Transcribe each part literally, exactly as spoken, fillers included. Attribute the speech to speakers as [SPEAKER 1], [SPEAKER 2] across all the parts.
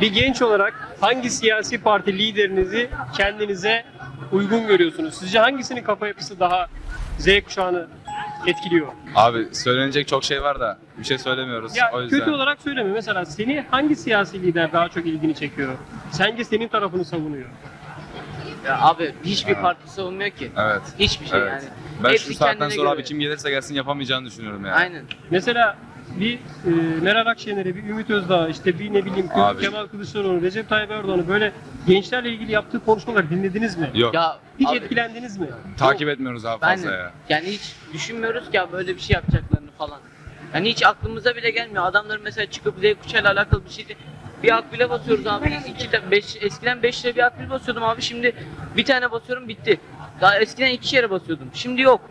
[SPEAKER 1] Bir genç olarak hangi siyasi parti liderinizi kendinize uygun görüyorsunuz? Sizce hangisinin kafa yapısı daha Z kuşağını etkiliyor?
[SPEAKER 2] Abi söylenecek çok şey var da bir şey söylemiyoruz.
[SPEAKER 1] Ya
[SPEAKER 2] O yüzden.
[SPEAKER 1] kötü olarak söyleme. Mesela seni hangi siyasi lider daha çok ilgini çekiyor? Sence senin tarafını savunuyor?
[SPEAKER 3] Ya abi hiçbir parti savunmuyor ki.
[SPEAKER 2] Evet.
[SPEAKER 3] Hiçbir şey
[SPEAKER 2] Evet.
[SPEAKER 3] yani.
[SPEAKER 2] Ben
[SPEAKER 3] Hepsi
[SPEAKER 2] şu saatten
[SPEAKER 3] kendine
[SPEAKER 2] sonra
[SPEAKER 3] göre.
[SPEAKER 2] abi kim gelirse gelsin yapamayacağını düşünüyorum yani.
[SPEAKER 3] Aynen.
[SPEAKER 1] Mesela bir e, Meral Akşener'i, bir Ümit Özdağ, işte bir ne bileyim
[SPEAKER 2] Abi.
[SPEAKER 1] Kemal Kılıçdaroğlu, Recep Tayyip Erdoğan'ı böyle gençlerle ilgili yaptığı konuşmalar dinlediniz mi?
[SPEAKER 2] Yok.
[SPEAKER 3] Ya
[SPEAKER 1] Hiç
[SPEAKER 3] abi,
[SPEAKER 1] etkilendiniz mi?
[SPEAKER 2] Takip etmiyoruz abi
[SPEAKER 3] ben
[SPEAKER 2] fazla ya.
[SPEAKER 3] yani hiç düşünmüyoruz ki abi böyle bir şey yapacaklarını falan. Yani hiç aklımıza bile gelmiyor. Adamların mesela çıkıp Z kuşağıyla alakalı bir şeydi. Bir akbile basıyoruz abi. İki de, beş, eskiden beş lira bir akbil basıyordum abi. Şimdi bir tane basıyorum bitti. Daha eskiden iki yere basıyordum. Şimdi yok.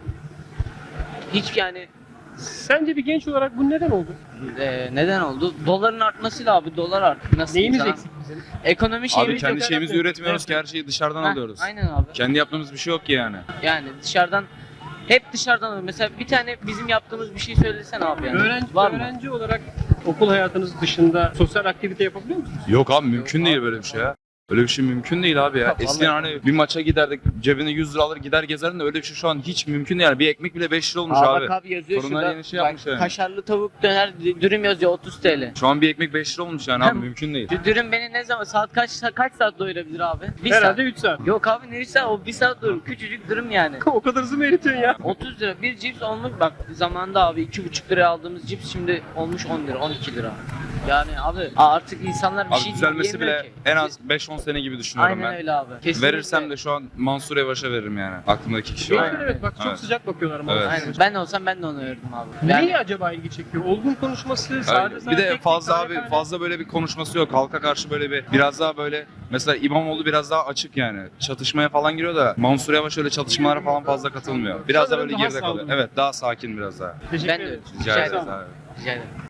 [SPEAKER 3] Hiç yani
[SPEAKER 1] Sence bir genç olarak bu neden oldu?
[SPEAKER 3] e, neden oldu? Doların artmasıyla abi dolar arttı. Nasıl
[SPEAKER 1] Neyimiz
[SPEAKER 3] diyeyim
[SPEAKER 1] eksik bizim?
[SPEAKER 3] sana? Ekonomi
[SPEAKER 2] Abi
[SPEAKER 3] şeyimiz
[SPEAKER 2] kendi
[SPEAKER 3] yok.
[SPEAKER 2] şeyimizi
[SPEAKER 1] Evet.
[SPEAKER 2] üretmiyoruz ki her şeyi dışarıdan
[SPEAKER 3] Heh,
[SPEAKER 2] alıyoruz.
[SPEAKER 3] Aynen abi.
[SPEAKER 2] Kendi yaptığımız bir şey yok ki yani.
[SPEAKER 3] Yani dışarıdan hep dışarıdan alıyor. Mesela bir tane bizim yaptığımız bir şey söylesen abi yani.
[SPEAKER 1] Öğrenci,
[SPEAKER 3] Var mı?
[SPEAKER 1] öğrenci olarak okul hayatınız dışında sosyal aktivite yapabiliyor musunuz?
[SPEAKER 2] Yok abi mümkün değil böyle bir şey ya. Öyle bir şey mümkün değil abi ya.
[SPEAKER 3] Vallahi.
[SPEAKER 2] Eskiden hani bir maça giderdik cebine yüz lira alır gider gezerdin de öyle bir şey şu an hiç mümkün değil yani. Bir ekmek bile beş lira olmuş
[SPEAKER 3] Aa,
[SPEAKER 2] abi.
[SPEAKER 3] bak abi yazıyor
[SPEAKER 2] Torunlar
[SPEAKER 3] şurada.
[SPEAKER 2] yeni şey
[SPEAKER 3] bak,
[SPEAKER 2] yapmış yani.
[SPEAKER 3] Kaşarlı tavuk döner dürüm yazıyor otuz TL.
[SPEAKER 2] Şu an bir ekmek beş lira olmuş yani abi
[SPEAKER 3] Hem-
[SPEAKER 2] mümkün değil.
[SPEAKER 3] Dü- Dürüm beni ne zaman saat kaç kaç saat doyurabilir abi? Bir
[SPEAKER 1] Herhalde
[SPEAKER 3] saat.
[SPEAKER 1] üç saat.
[SPEAKER 3] Yok abi ne üç saat o bir saat doyurur. Küçücük dürüm yani.
[SPEAKER 1] O kadar hızlı mı eritiyorsun ya?
[SPEAKER 3] otuz lira bir cips olmuş bak zamanında abi iki buçuk liraya aldığımız cips şimdi olmuş on lira on iki lira. Yani abi artık insanlar bir
[SPEAKER 2] Abi
[SPEAKER 3] şey
[SPEAKER 2] düzelmesi
[SPEAKER 3] yiyemiyor
[SPEAKER 2] bile
[SPEAKER 3] ki.
[SPEAKER 2] en az beş on sene gibi düşünüyorum
[SPEAKER 3] Aynen
[SPEAKER 2] ben.
[SPEAKER 3] öyle abi. Kesinlikle.
[SPEAKER 2] Verirsem de şu an Mansur Yavaş'a veririm yani. Aklımdaki kişi o
[SPEAKER 1] Gençler
[SPEAKER 2] yani.
[SPEAKER 1] evet bak çok
[SPEAKER 2] Evet.
[SPEAKER 1] sıcak bakıyorlar ama.
[SPEAKER 2] Evet.
[SPEAKER 3] Aynen. Ben olsam ben de onu verirdim abi.
[SPEAKER 1] Neyi acaba ilgi çekiyor? Olgun konuşması, sade
[SPEAKER 2] Öyle.
[SPEAKER 1] sade
[SPEAKER 2] Bir de
[SPEAKER 1] tek
[SPEAKER 2] fazla
[SPEAKER 1] tek
[SPEAKER 2] abi
[SPEAKER 1] tane tane.
[SPEAKER 2] fazla böyle bir konuşması yok. Halka karşı böyle bir biraz daha böyle mesela İmamoğlu biraz daha açık yani. Çatışmaya falan giriyor da Mansur Yavaş öyle çatışmalara falan fazla katılmıyor. Biraz da
[SPEAKER 1] Sanırım
[SPEAKER 2] böyle
[SPEAKER 1] daha
[SPEAKER 2] geride kalıyor.
[SPEAKER 1] sağlıklı.
[SPEAKER 2] Evet daha sakin biraz daha.
[SPEAKER 1] Teşekkür
[SPEAKER 3] Ben de
[SPEAKER 1] ederim.
[SPEAKER 3] öyle.
[SPEAKER 2] Rica
[SPEAKER 3] Rica
[SPEAKER 2] ederiz
[SPEAKER 3] ederim.
[SPEAKER 2] abi.
[SPEAKER 3] Rica ederim.